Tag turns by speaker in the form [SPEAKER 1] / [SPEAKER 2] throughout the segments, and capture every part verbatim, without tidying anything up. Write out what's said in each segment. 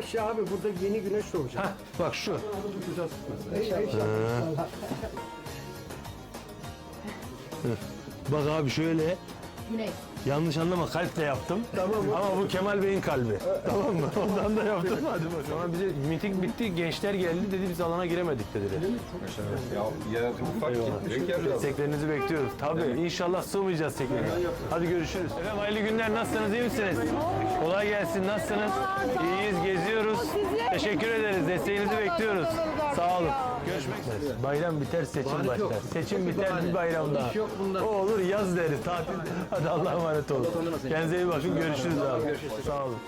[SPEAKER 1] Yavaş ya abi, burada yeni güneş doğacak.
[SPEAKER 2] Heh, bak şu. Bak abi şöyle.
[SPEAKER 3] Güney.
[SPEAKER 2] Yanlış anlama, kalple yaptım. Tamam. Ama bu Kemal Bey'in kalbi. Tamam mı? Ondan da yaptım. Hadi bakalım. Ama bize miting bitti, gençler geldi dedi, biz alana giremedik dediler.
[SPEAKER 4] Ya yer ufak gitmiş ya biraz.
[SPEAKER 2] Desteklerinizi bekliyoruz. Tabii. İnşallah sığmayacağız tekrar. Hadi görüşürüz. Efendim hayırlı günler. Nasılsınız? İyi misiniz? Kolay gelsin. Nasılsınız? İyiyiz. Geziyoruz. Teşekkür ederiz. Desteğinizi bekliyoruz. Sağ olun. Görüşmek üzere. Bayram biter, seçim başlar. Seçim biter, bir bayram daha. O olur, yaz deriz. Tatil. Hadi Allah'a emanet olun. Kendinize iyi bakın. Görüşürüz abi. Sağ olun.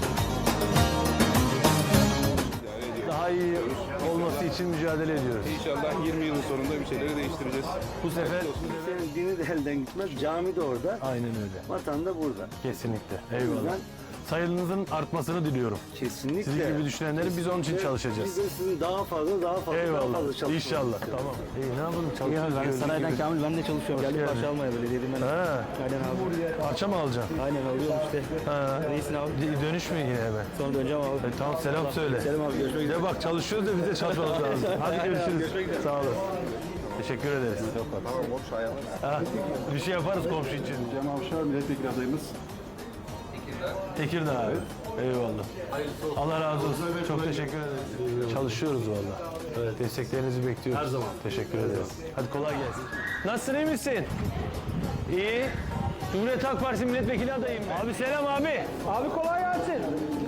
[SPEAKER 2] Daha iyi olması için mücadele ediyoruz.
[SPEAKER 4] İnşallah yirmi yılın sonunda bir şeyleri değiştireceğiz.
[SPEAKER 2] Bu sefer
[SPEAKER 1] Senin dini de elden gitmez. Cami de orada.
[SPEAKER 2] aynen öyle.
[SPEAKER 1] Vatan da burada.
[SPEAKER 2] Kesinlikle.
[SPEAKER 1] O
[SPEAKER 2] Eyvallah.
[SPEAKER 1] yüzden
[SPEAKER 2] Sayınızın artmasını diliyorum.
[SPEAKER 1] kesinlikle.
[SPEAKER 2] Sizin gibi düşünenlerin biz onun için çalışacağız.
[SPEAKER 1] Biz de sizin daha fazla, daha fazla, daha
[SPEAKER 2] Eyvallah.
[SPEAKER 1] fazla çalışmamız.
[SPEAKER 2] İnşallah. Tamam. İyi ne yapalım? Çalışıyoruz.
[SPEAKER 5] Ben Saray'dan Kamil, ben de çalışıyorum. Geldim
[SPEAKER 2] geldin.
[SPEAKER 5] parça almaya böyle dedim ben.
[SPEAKER 2] Ha,
[SPEAKER 5] Aynen abi.
[SPEAKER 2] parça mı alacaksın?
[SPEAKER 5] Aynen alıyorum işte.
[SPEAKER 2] Ha.
[SPEAKER 5] Reisin abi.
[SPEAKER 2] D- Dönüş mü yine hemen?
[SPEAKER 5] Sonra döneceğim abi.
[SPEAKER 2] E, tamam selam söyle.
[SPEAKER 5] Selam abi, görüşmek üzere.
[SPEAKER 2] Bir de bak çalışıyoruz da bize çalışmamız lazım. Hadi görüşürüz. Sağ olun. Teşekkür ederiz.
[SPEAKER 4] Tamam boş hayat.
[SPEAKER 2] Ha, bir şey yaparız komşu için.
[SPEAKER 4] Cem Avşar milletvekili adayımız.
[SPEAKER 2] Tekirdağ abi. Eyvallah. Allah razı olsun. Çok teşekkür ederiz. Çalışıyoruz valla. Evet. Desteklerinizi bekliyoruz. Her zaman. Teşekkür ederiz. Hadi kolay gelsin. Nasılsın, iyi misin? İyi. Cumhuriyet Halk Partisi milletvekili adayım ben. Abi selam abi. Abi kolay gelsin.